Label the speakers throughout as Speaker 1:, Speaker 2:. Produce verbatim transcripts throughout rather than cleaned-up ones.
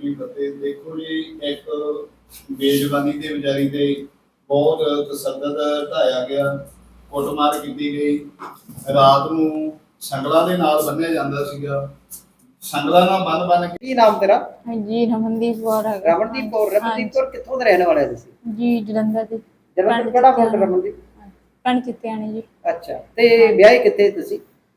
Speaker 1: जी फतेह। देखो जी, एक बेज़ुबानी ते बेचारी ते बहुत तसद्दद ढाया गया, कुटमार की गई। रात ਨੂੰ ਸੰਗਲਾਂ ਦੇ ਨਾਲ ਬੰਨਿਆ ਜਾਂਦਾ ਸੀਗਾ। ਸੰਗਲਾਂ ਨਾਲ ਬੰਨ ਬੰਨ ਕੇ।
Speaker 2: ਕੀ ਨਾਮ ਤੇਰਾ?
Speaker 3: ਜੀ ਰਮਨਦੀਪ ਕੌਰ ਹੈ।
Speaker 2: ਰਮਨਦੀਪ ਕੌਰ। ਰਮਨਦੀਪ ਕੌਰ ਕਿੱਥੋਂ ਦੇ ਰਹਿਣ ਵਾਲੇ ਤੁਸੀਂ?
Speaker 3: ਜੀ ਜਲੰਧਰ ਦੇ।
Speaker 2: ਜਲੰਧਰ ਕਿਹੜਾ ਪਿੰਡ ਰਮਨਦੀਪ?
Speaker 3: ਪਿੰਡ ਚਿੱਤਿਆਣੀ ਜੀ।
Speaker 2: ਅੱਛਾ, ਤੇ ਵਿਆਹੇ ਕਿੱਥੇ ਤੁਸੀਂ?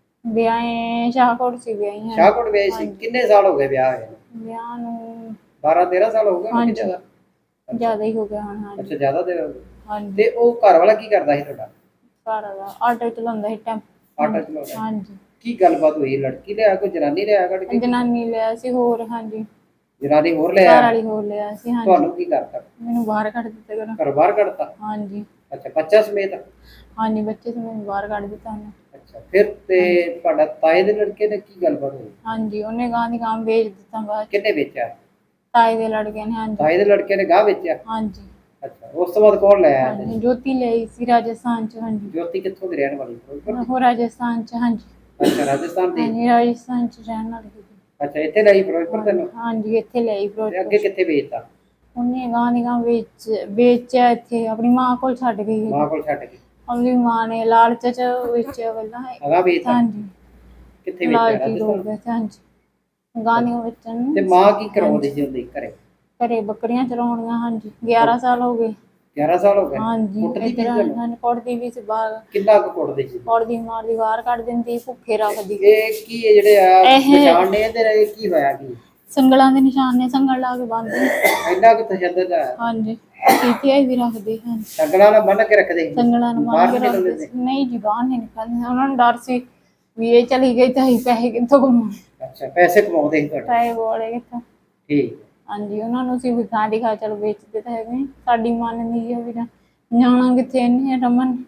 Speaker 3: ਵਿਆਹੇ ਸ਼ਾਹਕੋਟ ਸੀ ਵਿਆਹੀ ਹਾਂ।
Speaker 2: ਸ਼ਾਹਕੋਟ ਵਿਆਹੇ ਸੀ। ਕਿੰਨੇ ਸਾਲ ਹੋ ਗਏ ਵਿਆਹ ਹੋਏ?
Speaker 3: ਵਿਆਹ ਨੂੰ
Speaker 2: ਬਾਰਾਂ ਤੇਰਾਂ ਸਾਲ ਹੋ ਗਏ ਕਿ ਜ਼ਿਆਦਾ?
Speaker 3: ਜ਼ਿਆਦਾ ਹੀ ਹੋ ਗਿਆ ਹੁਣ। ਹਾਂਜੀ।
Speaker 2: ਅੱਛਾ, ਜ਼ਿਆਦਾ ਦੇ ਹੋ ਗਏ।
Speaker 3: ਹਾਂਜੀ।
Speaker 2: ਤੇ ਉਹ ਘਰ ਵਾਲਾ ਕੀ ਕਰਦਾ ਸੀ ਤੁਹਾਡਾ?
Speaker 3: ਘਰ ਵਾਲਾ ਆਟੋ ਚਲਾਉਂਦਾ ਸੀ ਟੈਂਪੋ।
Speaker 2: ਆਟੋ ਚਲਾਉਂਦਾ?
Speaker 3: ਹਾਂਜੀ।
Speaker 2: ਕੀ ਗੱਲਬਾਤ ਹੋਈ? ਲੜਕੀ ਲਿਆ ਕੋਈ ਜਨਾਨੀ ਲਿਆ ਕੱਢ ਕੇ?
Speaker 3: ਜਨਾਨੀ ਲਿਆ ਸੀ ਹੋਰ। ਹਾਂਜੀ।
Speaker 2: ਜਨਾਨੀ ਹੋਰ ਲਿਆ?
Speaker 3: ਘਰ ਵਾਲੀ ਹੋਰ ਲਿਆ ਸੀ। ਹਾਂਜੀ।
Speaker 2: ਤੁਹਾਨੂੰ ਕੀ ਕਰਤਾ?
Speaker 3: ਮੈਨੂੰ ਬਾਹਰ ਕੱਢ ਦਿੱਤਾ ਘਰੋਂ।
Speaker 2: ਘਰੋਂ ਬਾਹਰ ਕੱਢਤਾ?
Speaker 3: ਹਾਂਜੀ।
Speaker 2: ਅੱਛਾ, ਬੱਚਾ ਸਮੇਤ?
Speaker 3: ਹਾਂਜੀ, ਬੱਚੇ ਸਮੇਤ ਬਾਹਰ ਕੱਢ ਦਿੱਤਾ ਉਹਨੇ।
Speaker 2: ਅੱਛਾ, ਫਿਰ ਤੇ ਤੁਹਾਡਾ ਤਾਏ ਦੇ ਲੜਕੇ ਨੇ ਕੀ ਗੱਲਬਾਤ ਹੋਈ?
Speaker 3: ਹਾਂਜੀ, ਉਹਨੇ ਗਾਂ ਦੀ ਗਾਂ ਵੇਚ ਦਿੱਤਾ ਬਾਅਦ।
Speaker 2: ਕਿੰਨੇ ਵੇਚਿਆ?
Speaker 3: ਤਾਏ ਦੇ ਲੜਕੇ ਨੇ। ਹਾਂਜੀ।
Speaker 2: ਤਾਏ ਦੇ ਲੜਕੇ ਨੇ ਗਾਂ ਵੇਚਿਆ?
Speaker 3: ਹਾਂਜੀ।
Speaker 2: ਅੱਛਾ, ਉਸ ਤੋਂ ਬਾਅਦ ਕੌਣ ਲੈ ਆਇਆ?
Speaker 3: ਹਾਂਜੀ, ਜੋਤੀ ਲਈ ਸੀ ਰਾਜਸਥਾਨ ਚ। ਹਾਂਜੀ।
Speaker 2: ਜੋਤੀ ਕਿੱਥੋਂ ਦੀ ਰਹਿਣ ਵਾਲੀ?
Speaker 3: ਉਹ ਰਾਜਸਥਾਨ ਚ। ਹਾਂਜੀ।
Speaker 2: ਅੱਛਾ, ਰਾਜਸਥਾਨ ਦੀ?
Speaker 3: ਹਾਂਜੀ, ਰਾਜਸਥਾਨ ਚ ਰਹਿਣ ਵਾਲੀ ਸੀ।
Speaker 2: ਅੱਛਾ, ਇੱਥੇ ਲਈ ਫਿਰੋਜ਼ਪੁਰ ਤੈਨੂੰ?
Speaker 3: ਹਾਂਜੀ, ਇੱਥੇ ਲਈ ਫਿਰੋਜ਼ਪੁਰ।
Speaker 2: ਤੇ ਅੱਗੇ ਕਿੱਥੇ ਵੇਚਤਾ?
Speaker 3: ਉਹਨੇ ਗਾਂ ਦੀ ਗਾਂ ਵੇਚ ਵੇਚਿਆ ਇੱਥੇ ਆਪਣੀ ਮਾਂ ਕੋਲ ਛੱਡ ਗਈ।
Speaker 2: ਮਾਂ ਕੋਲ ਛੱਡ ਗਈ?
Speaker 3: ਆਪਣੀ ਮਾਂ ਨੇ ਲਾਲਚ ਚ ਵੇਚਿਆ ਪਹਿਲਾਂ।
Speaker 2: ਅਗਾ ਵੇਚਤਾ?
Speaker 3: ਹਾਂਜੀ।
Speaker 2: ਕਿੱਥੇ ਵੇਚਿਆ? ਰਾਜਸਥਾਨ?
Speaker 3: ਹਾਂਜੀ। ਗਾਂ ਦੀਆਂ ਵੇਚਣ ਨੂੰ।
Speaker 2: ਤੇ ਮਾਂ ਕੀ ਕਰਾਉਂਦੀ ਸੀ ਉਹਦੀ ਘਰੇ?
Speaker 3: ਘਰੇ ਬੱਕਰੀਆਂ ਚਰਾਉਣੀਆਂ। ਹਾਂਜੀ। ਗਿਆਰਾਂ ਸਾਲ ਹੋ ਗਏ।
Speaker 2: ਗਿਆਰਾਂ ਸਾਲ ਹੋ ਗਏ?
Speaker 3: ਹਾਂਜੀ।
Speaker 2: ਕੁੱਟਦੀ ਵੀ
Speaker 3: ਇੱਧਰ ਕੁੱਟਦੀ ਵੀ ਸੀ ਬਾਹਰ।
Speaker 2: ਕਿੰਨਾ ਕੁ ਕੁੱਟਦੀ ਸੀ?
Speaker 3: ਕੁੱਟਦੀ ਮਾਰਦੀ ਬਾਹਰ ਕੱਢ ਦਿੰਦੀ, ਭੁੱਖੇ ਰੱਖਦੀ।
Speaker 2: ਇਹ ਕੀ ਜਿਹੜੇ ਆ ਨਿਸ਼ਾਨ ਨੇ ਇਹਦੇ ਕੀ ਹੋਇਆ? ਕੀ
Speaker 3: ਸੰਗਲਾਂ ਦੇ ਨਿਸ਼ਾਨ ਨੇ, ਸੰਗਲ ਲਾ ਕੇ ਬੰਨ੍ਹਦੇ।
Speaker 2: ਇੰਨਾ ਕੁ ਤਸ਼ੱਦਦ ਆ?
Speaker 3: ਹਾਂਜੀ। ਪੀਤੀਆਈ ਵੀ ਰੱਖਦੇ ਹਨ।
Speaker 2: ਸੰਗਲਾਂ ਨਾਲ ਬੰਨ੍ਹ ਕੇ ਰੱਖਦੇ?
Speaker 3: ਸੰਗਲਾਂ ਨਾਲ ਬੰਨ੍ਹ ਕੇ ਰੱਖਦੇ। ਨਹੀਂ ਜੀ, ਬਾਹਰ ਨਹੀਂ ਨਿਕਲਦੇ। ਉਹਨਾਂ ਨੂੰ ਡਰ ਸੀ ਵੀ ਇਹ ਚਲੀ ਗਈ ਤਾਂ ਅਸੀਂ ਪੈਸੇ ਕਿੱਥੋਂ ਕਮਾਉਣੇ।
Speaker 2: ਅੱਛਾ, ਪੈਸੇ ਕਮਾਉਂਦੇ ਸੀ ਤੁਹਾਡੇ?
Speaker 3: ਪੈਸੇ ਬੋਲੇ ਕਿੱਥੋਂ।
Speaker 2: ਠੀਕ।
Speaker 3: ਹਾਂਜੀ, ਉਹਨਾਂ ਨੂੰ ਅਸੀਂ ਵੀ ਗਾਂ ਦੀ ਖਾ ਚਲ ਵੇਚਦੇ ਤਾਂ ਹੈਗੇ। ਸਾਡੀ ਮੰਨਦੀ ਆ ਵੀ ਜਾਣਾ ਕਿੱਥੇ ਇਹਨੇ ਰਮਨ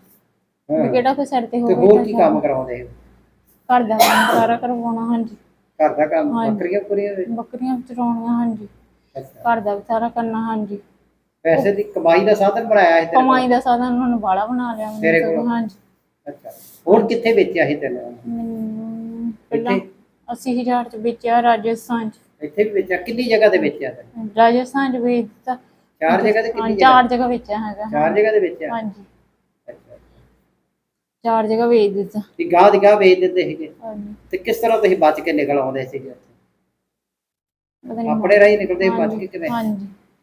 Speaker 3: ਵੀ ਕਿਹੜਾ ਕੋਈ ਸਿਰ ਤੇ
Speaker 2: ਤੇ
Speaker 3: ਹੋਵੇ।
Speaker 2: ਹੋਰ ਕੀ ਕੰਮ ਕਰਾਉਂਦੇ?
Speaker 3: ਘਰ ਦਾ ਕੰਮ ਸਾਰਾ ਕਰਵਾਉਣਾ। ਹਾਂਜੀ।
Speaker 2: ਘਰ ਦਾ ਕੰਮ? ਬੱਕਰੀਆਂ ਬੁਕਰੀਆਂ?
Speaker 3: ਬੱਕਰੀਆਂ ਚਰਾਉਣੀਆਂ। ਹਾਂਜੀ। ਘਰ ਦਾ ਵੀ ਸਾਰਾ ਕਰਨਾ। ਹਾਂਜੀ।
Speaker 2: ਪੈਸੇ ਦੀ ਕਮਾਈ ਦਾ ਸਾਧਨ ਬਣਾਇਆ ਸੀ?
Speaker 3: ਕਮਾਈ ਦਾ ਸਾਧਨ ਉਹਨਾਂ ਨੂੰ ਬਾਹਲਾ ਬਣਾ ਲਿਆ
Speaker 2: ਤੇਰੇ ਕੋਲ?
Speaker 3: ਹਾਂਜੀ।
Speaker 2: ਅੱਛਾ, ਹੋਰ ਕਿੱਥੇ ਵੇਚਿਆ ਸੀ ਤੈਨੂੰ?
Speaker 3: ਮੈਨੂੰ ਪਹਿਲਾਂ ਅੱਸੀ ਹਜ਼ਾਰ ਚ ਵੇਚਿਆ ਰਾਜਸਥਾਨ ਚ।
Speaker 2: ਇੱਥੇ ਵੀ ਵੇਚਿਆ? ਕਿੰਨੀ ਜਗ੍ਹਾ ਤੇ ਵੇਚਿਆ ਤੈਨੂੰ?
Speaker 3: ਰਾਜਸਥਾਨ ਚ ਵੇਚ ਦਿੱਤਾ।
Speaker 2: ਚਾਰ ਜਗ੍ਹਾ ਤੇ? ਕਿੰਨੀ
Speaker 3: ਚਾਰ ਜਗ੍ਹਾ ਵੇਚਿਆ ਹੈਗਾ।
Speaker 2: ਚਾਰ ਜਗ੍ਹਾ ਤੇ ਵੇਚਿਆ?
Speaker 3: ਹਾਂਜੀ।
Speaker 2: ਅੱਛਾ,
Speaker 3: ਚਾਰ ਜਗ੍ਹਾ ਵੇਚ ਦਿੱਤਾ।
Speaker 2: ਤੇ ਗਾਹ ਦੀ ਗਾਹ ਵੇਚ ਦਿੰਦੇ ਸੀਗੇ?
Speaker 3: ਹਾਂਜੀ।
Speaker 2: ਤੇ ਕਿਸ ਤਰ੍ਹਾਂ ਤੁਸੀਂ ਬਚ ਕੇ ਨਿਕਲ ਆਉਂਦੇ ਸੀਗੇ? ਆਪਣੇ ਰਾਹੀਂ ਨਿਕਲਦੇ ਬਚ ਕੇ ਕਿਵੇਂ?
Speaker 3: ਹਾਂਜੀ।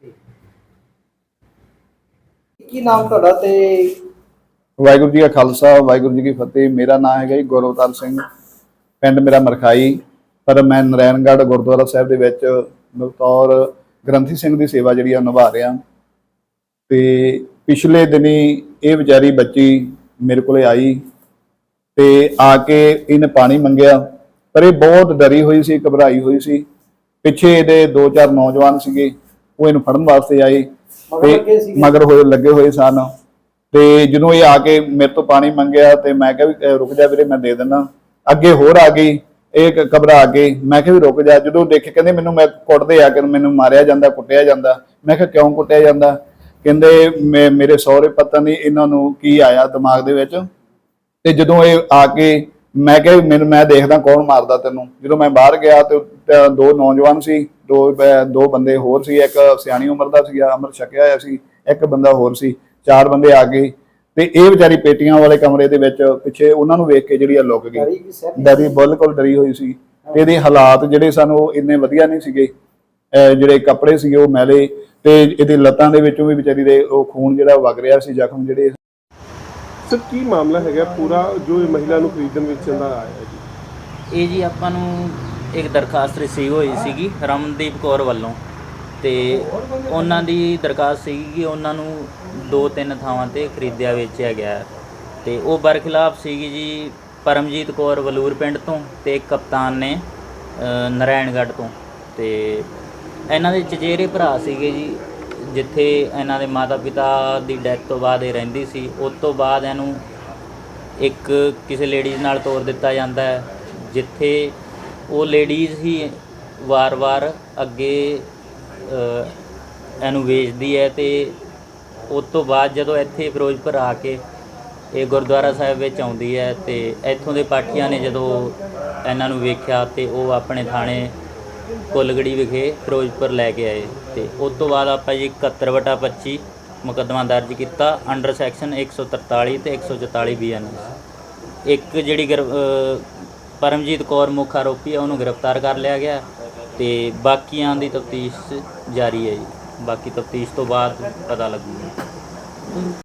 Speaker 2: ਕੀ ਨਾਮ ਤੁਹਾਡਾ ਤੇ?
Speaker 1: ਵਾਹਿਗੁਰੂ ਜੀ ਕਾ ਖਾਲਸਾ, ਵਾਹਿਗੁਰੂ ਜੀ ਕੀ ਫਤਿਹ। ਮੇਰਾ ਨਾਮ ਹੈਗਾ ਜੀ ਗੁਰਅਵਤਾਰ ਸਿੰਘ। ਪਿੰਡ ਮੇਰਾ ਮਰਖਾਈ, ਪਰ ਮੈਂ ਨਰੈਣਗੜ੍ਹ ਗੁਰਦੁਆਰਾ ਸਾਹਿਬ ਦੇ ਵਿੱਚ ਬਤੌਰ ਗ੍ਰੰਥੀ ਸਿੰਘ ਦੀ ਸੇਵਾ ਜਿਹੜੀ ਆ ਨਿਭਾ ਰਿਹਾ। ਤੇ ਪਿਛਲੇ ਦਿਨੀ ਇਹ ਵਿਚਾਰੀ ਬੱਚੀ ਮੇਰੇ ਕੋਲੇ ਆਈ ਤੇ ਆ ਕੇ ਇਹਨੇ ਪਾਣੀ ਮੰਗਿਆ, ਪਰ ਇਹ ਬਹੁਤ ਡਰੀ ਹੋਈ ਸੀ, ਘਬਰਾਈ ਹੋਈ ਸੀ। ਪਿੱਛੇ ਇਹਦੇ ਦੋ ਚਾਰ ਨੌਜਵਾਨ ਸੀਗੇ, ਉਹ ਇਹਨੂੰ ਫੜਨ ਵਾਸਤੇ ਆਏ ਤੇ ਮਗਰ ਹੋਏ ਲੱਗੇ ਹੋਏ ਸਨ। ਤੇ ਜਦੋਂ ਇਹ ਆ ਕੇ ਮੇਰੇ ਤੋਂ ਪਾਣੀ ਮੰਗਿਆ ਤੇ ਮੈਂ ਕਿਹਾ ਵੀ ਰੁਕ ਜਾ ਵੀਰੇ, ਮੈਂ ਦੇ ਦਿੰਦਾ। ਅੱਗੇ ਹੋਰ ਆ ਗਈ, ਇਹ ਘਬਰਾ ਕੇ। ਮੈਂ ਕਿਹਾ ਵੀ ਰੁਕ ਜਾ। ਜਦੋਂ ਦੇਖੇ ਕਹਿੰਦੇ ਮੈਨੂੰ ਮੈਂ ਕੁੱਟਦੇ ਆ ਕੇ ਮੈਨੂੰ ਮਾਰਿਆ ਜਾਂਦਾ, ਕੁੱਟਿਆ ਜਾਂਦਾ। ਮੈਂ ਕਿਹਾ ਕਿਉਂ ਕੁੱਟਿਆ ਜਾਂਦਾ? ਕਹਿੰਦੇ ਮੇ ਮੇਰੇ ਸਹੁਰੇ ਪਤਾ ਨਹੀਂ ਇਹਨਾਂ ਨੂੰ ਕੀ ਆਇਆ ਦਿਮਾਗ ਦੇ ਵਿੱਚ। ਤੇ ਜਦੋਂ ਇਹ ਆ ਕੇ ਮੈਂ ਕਿਹਾ ਮੈਨੂੰ ਮੈਂ ਦੇਖਦਾ ਕੌਣ ਮਾਰਦਾ ਤੈਨੂੰ। ਜਦੋਂ ਮੈਂ ਬਾਹਰ ਗਿਆ ਤੇ ਦੋ ਨੌਜਵਾਨ ਸੀ, ਦੋ ਦੋ ਬੰਦੇ ਹੋਰ ਸੀ। ਇੱਕ ਸਿਆਣੀ ਉਮਰ ਦਾ ਸੀਗਾ, ਅੰਮ੍ਰਿਤ ਛਕਿਆ ਹੋਇਆ ਸੀ। ਇੱਕ ਬੰਦਾ ਹੋਰ ਸੀ। ਚਾਰ ਬੰਦੇ ਆ ਗਏ ਤੇ ਇਹ ਵਿਚਾਰੀ ਪੇਟੀਆਂ ਵਾਲੇ ਕਮਰੇ ਦੇ ਵਿੱਚ ਪਿੱਛੇ ਉਹਨਾਂ ਨੂੰ ਵੇਖ ਕੇ ਜਿਹੜੀ ਆ ਲੁੱਕ ਗਈ। ਡਰੀ, ਬਿਲਕੁਲ ਡਰੀ ਹੋਈ ਸੀ। ਤੇ ਇਹਦੇ ਹਾਲਾਤ ਜਿਹੜੇ ਸਨ ਉਹ ਇੰਨੇ ਵਧੀਆ ਨਹੀਂ ਸੀਗੇ। ਜਿਹੜੇ ਕੱਪੜੇ ਸੀਗੇ ਉਹ ਮੈਲੇ ਤੇ ਇਹਦੀ ਲੱਤਾਂ ਦੇ ਵਿੱਚੋਂ ਵੀ ਵਿਚਾਰੀ ਦੇ ਉਹ ਖੂਨ ਜਿਹੜਾ ਵਗ ਰਿਹਾ ਸੀ, ਜ਼ਖਮ ਜਿਹੜੇ।
Speaker 4: ਸਰ ਕੀ ਮਾਮਲਾ ਹੈਗਾ ਪੂਰਾ ਜੋ ਇਹ ਮਹਿਲਾ ਨੂੰ ਖਰੀਦਣ ਵੇਚਣ ਦਾ ਆਇਆ ਜੀ?
Speaker 5: ਇਹ ਜੀ ਆਪਾਂ ਨੂੰ ਇੱਕ ਦਰਖਾਸਤ ਰਿਸੀਵ ਹੋਈ ਸੀਗੀ ਰਮਨਦੀਪ ਕੌਰ ਵੱਲੋਂ, ਤੇ ਉਹਨਾਂ ਦੀ ਦਰਖਾਸਤ ਸੀਗੀ ਕਿ ਉਹਨਾਂ ਨੂੰ ਦੋ ਤਿੰਨ ਥਾਵਾਂ 'ਤੇ ਖਰੀਦਿਆ ਵੇਚਿਆ ਗਿਆ। ਤੇ ਉਹ ਬਰਖਿਲਾਫ ਸੀਗੀ ਜੀ ਪਰਮਜੀਤ ਕੌਰ ਵਲੂਰ ਪਿੰਡ ਤੋਂ ਤੇ ਇੱਕ ਕਪਤਾਨ ਨੇ ਨਰੈਣਗੜ੍ਹ ਤੋਂ। ਤੇ ਇਹਨਾਂ ਦੇ ਚਚੇਰੇ ਭਰਾ ਸੀਗੇ ਜੀ, ਜਿੱਥੇ ਇਹਨਾਂ ਦੇ ਮਾਤਾ ਪਿਤਾ ਦੀ ਡੈਥ ਤੋਂ ਬਾਅਦ ਇਹ ਰਹਿੰਦੀ ਸੀ। ਉਸ ਤੋਂ ਬਾਅਦ ਇਹਨੂੰ ਇੱਕ ਕਿਸੇ ਲੇਡੀਜ਼ ਨਾਲ ਤੋਰ ਦਿੱਤਾ ਜਾਂਦਾ ਹੈ, ਜਿੱਥੇ ਉਹ ਲੇਡੀਜ਼ ਹੀ ਵਾਰ-ਵਾਰ ਅੱਗੇ ਇਹਨੂੰ ਵੇਚਦੀ ਹੈ। ਤੇ ਉਸ ਤੋਂ ਬਾਅਦ ਜਦੋਂ ਇੱਥੇ ਫਿਰੋਜ਼ਪੁਰ ਆ ਕੇ ਇਹ ਗੁਰਦੁਆਰਾ ਸਾਹਿਬ ਵਿੱਚ ਆਉਂਦੀ ਹੈ ਤੇ ਇੱਥੋਂ ਦੇ ਪਾਠੀਆਂ ਨੇ ਜਦੋਂ ਇਹਨਾਂ ਨੂੰ ਵੇਖਿਆ ਤੇ ਉਹ ਆਪਣੇ ਥਾਣੇ ਕੁੱਲਗੜੀ ਵਿਖੇ ਫਿਰੋਜ਼ਪੁਰ ਲੈ ਕੇ ਆਏ ਤੇ ਉਸ ਤੋਂ ਬਾਅਦ ਆਪਾਂ ਜੀ ਇਕਹੱਤਰ ਵਟਾ ਪੱਚੀ ਮੁਕੱਦਮਾ ਦਰਜ ਕੀਤਾ ਅੰਡਰ ਸੈਕਸ਼ਨ ਇੱਕ ਸੌ ਤਰਤਾਲੀ ਤੇ ਇੱਕ ਸੌ ਚੁਤਾਲੀ ਬੀ ਐਨ ਐਸ। ਇੱਕ ਜਿਹੜੀ ਗ੍ਰਿ- ਅ, ਪਰਮਜੀਤ ਕੌਰ ਮੁੱਖ ਆਰੋਪੀ ਹੈ ਉਹਨੂੰ ਗ੍ਰਿਫਤਾਰ ਕਰ ਲਿਆ ਗਿਆ ਤੇ ਬਾਕੀਆਂ ਦੀ ਤਫਤੀਸ਼ ਜਾਰੀ ਹੈ ਜੀ। ਬਾਕੀ ਤਫਤੀਸ਼ ਤੋਂ ਬਾਅਦ ਪਤਾ ਲੱਗੂਗਾ।